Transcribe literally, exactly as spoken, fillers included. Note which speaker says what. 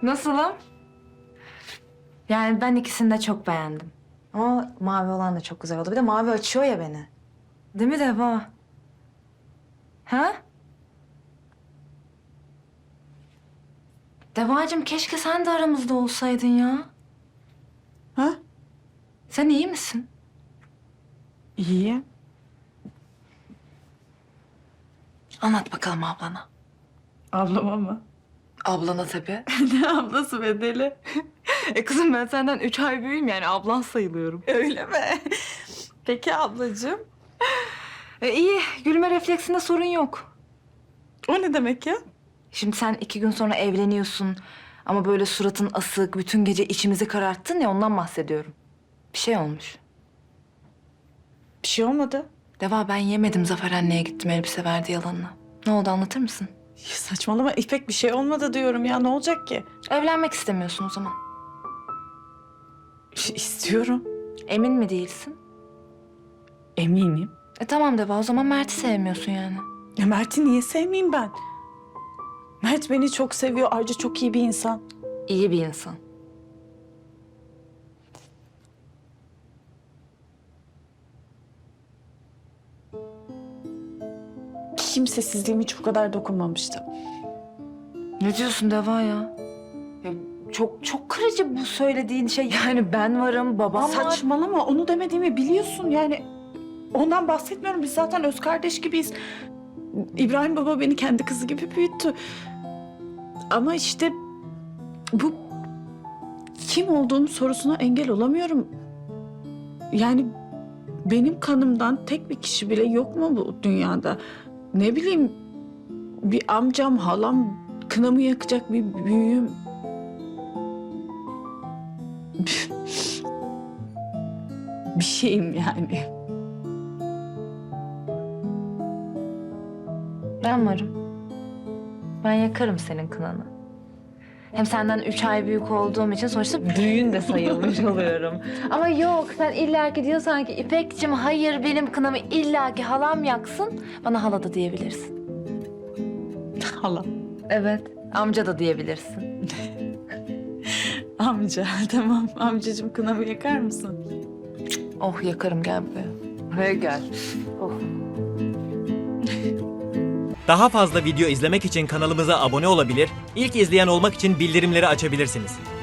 Speaker 1: Nasılım? Yani ben ikisini de çok beğendim. Ama mavi olan da çok güzel oldu. Bir de mavi açıyor ya beni. Değil mi Deva? Ha? Devacığım keşke sen de aramızda olsaydın ya.
Speaker 2: Ha?
Speaker 1: Sen iyi misin?
Speaker 2: İyi.
Speaker 1: Anlat bakalım ablana.
Speaker 2: Ablama mı?
Speaker 1: Ablana tabii.
Speaker 2: Ne ablası be deli?
Speaker 1: e kızım ben senden üç ay büyüğüm yani ablan sayılıyorum.
Speaker 2: Öyle mi? Peki ablacığım.
Speaker 1: E iyi gülme refleksinde sorun yok.
Speaker 2: O ne demek ya?
Speaker 1: Şimdi sen iki gün sonra evleniyorsun. Ama böyle suratın asık, bütün gece içimizi kararttın ya ondan bahsediyorum. Bir şey olmuş.
Speaker 2: Bir şey olmadı.
Speaker 1: Deva ben yemedim Zafer anneye gittim elbise verdi yalanına. Ne oldu anlatır mısın?
Speaker 2: Ya saçmalama İpek, bir şey olmadı diyorum ya, ne olacak ki?
Speaker 1: Evlenmek istemiyorsun o zaman.
Speaker 2: İstiyorum.
Speaker 1: Emin mi değilsin?
Speaker 2: Eminim.
Speaker 1: E tamam Deva o zaman Mert'i sevmiyorsun yani.
Speaker 2: Ya Mert'i niye sevmeyeyim ben? Mert beni çok seviyor, ayrıca çok iyi bir insan.
Speaker 1: İyi bir insan.
Speaker 2: Kimsesizliğim hiç bu kadar dokunmamıştı.
Speaker 1: Ne diyorsun Deva ya? Ya çok çok kırıcı bu söylediğin şey. Yani ben varım, babam var.
Speaker 2: Saçmalama, onu demediğimi biliyorsun yani. Ondan bahsetmiyorum, biz zaten öz kardeş gibiyiz. İbrahim baba beni kendi kızı gibi büyüttü. Ama işte bu kim olduğum sorusuna engel olamıyorum. Yani benim kanımdan tek bir kişi bile yok mu bu dünyada? Ne bileyim, bir amcam, halam, kınamı yakacak bir büyüğüm. Bir şeyim yani.
Speaker 1: Ben varım. Ben yakarım senin kınanı. Hem senden üç ay büyük olduğum için sonuçta büyüğün de sayılmış oluyorum. Ama yok sen illaki diyorsan ki İpekciğim hayır benim kınamı illaki halam yaksın. Bana hala da diyebilirsin.
Speaker 2: Halam.
Speaker 1: Evet. Amca da diyebilirsin.
Speaker 2: Amca, tamam. Amcacığım, kınamı yakar mısın?
Speaker 1: Oh yakarım gel buraya. Buraya gel. Oh.
Speaker 3: Daha fazla video izlemek için kanalımıza abone olabilir, ilk izleyen olmak için bildirimleri açabilirsiniz.